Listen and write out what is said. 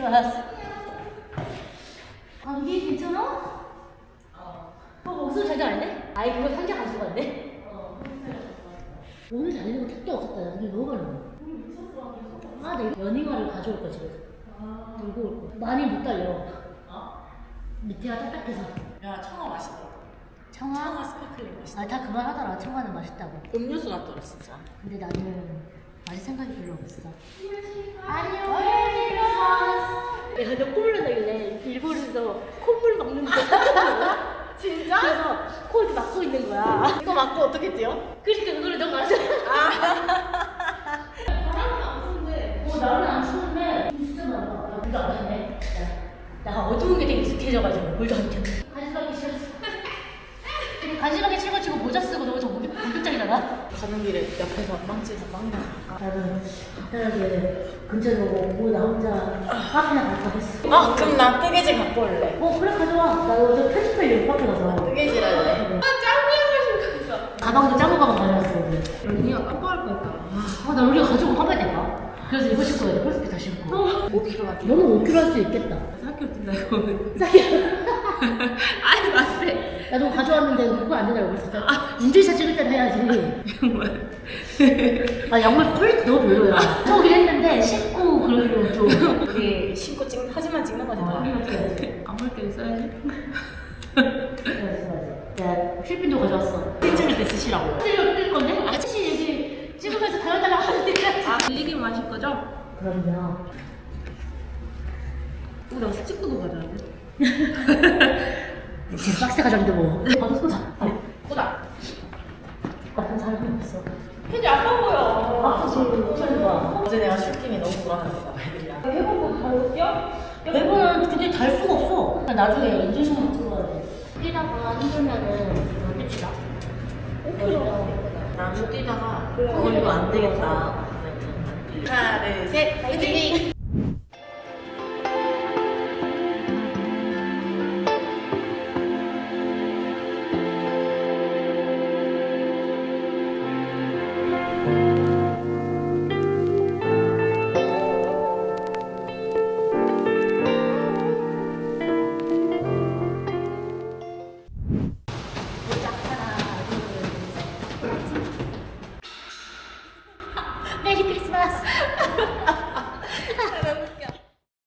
크리스마스. 감기 괜찮아? 목소리 잘 잘하네? 아이 그거 상자 가지고 갔네? 오늘 달리는 거 택도 없었다. 야 근데 너무 많이 먹어. 내가 연잉화를 가져올 거야 집에서. 들고 올 거야. 많이 못 달려. 밑에가 딱딱해서. 야, 청아 맛있더라. 청아? 스파클링 맛있다. 다 그만하더라. 청아는 맛있다고. 음료수 같더라, 진짜. 근데 나는 마실 생각이 별로 없어. 안녕. 내가 너 콧물 난다길래 일본에서 콧물 막는 거 찾았거든. 진짜? 그래서 코 이렇게 막고 있는 거야. 이거 맞고 어떻게 뛰어? 그러니까 그거를 너가 알아서. 바람은 안 추운데. 나는 안 추운데 진짜 많아. 물도 안 켰네. 나 어두운 게 되게 익숙해져가지고 물도 안 켰네. 간지러기 싫었어. 근데 간지러기 치고 모자 쓰고 너무 좀 목욕장이잖아. 가는 길에 옆에서 망치에서 빵 나는 간단하게 근처에 오고 나 혼자 카페나 갈까 했어. 그럼 나 뜨개질 갖고 올래. 그래 가져와. 나 어제 편집하려고 카페 가서. 뜨개질 할래. 짱구야 가지고 가방도 작은 가방 가져왔어. 오늘. 언니가 깜빡할 거니까. 나 우리가 가지고 가봐야 될까? 그래서 이거 신고 가야 돼. 폴스키 다 신고. 5kg 같아. 너는 5kg 할 수 있겠다. 4kg 뛴다 이거는. 아니 맞대. 나도 가져왔는데 그거 안 된다고 그랬어. 인증샷 찍을 때는 해야지. 정말. 양말 퀄리티 너무 별로야. 저긴 했는데 신고 그러기로 좀. 우리 신고 하지만 찍는 거지. 아무 때는 써야지. 야, 필핀도 가져왔어. 찍을 때 쓰시라고. 뜰 건데? 아저씨 여기 찍으면서 달라달라 하는데. 들리긴 마실 거죠? 그럼요. 나 스티커도 가져왔네. 계속 박스 가져왔는데 뭐. 받았어. 보다. 나쁜 사람이 없어. 근데 아파 보여. 아프지. 봐. 어제 내가 슈팅이 너무 불안하니까 애들이랑. 해보고 달 뛰어? 매번은 근데 달 수가 없어. 나중에 인증샷만 찍어야 돼. 뛰다가 힘들면은 끝이다. 5kg. 나도 뛰다가 이거 안 되겠다. 하나, 둘, 셋, 화이팅! 메리 크리스마스.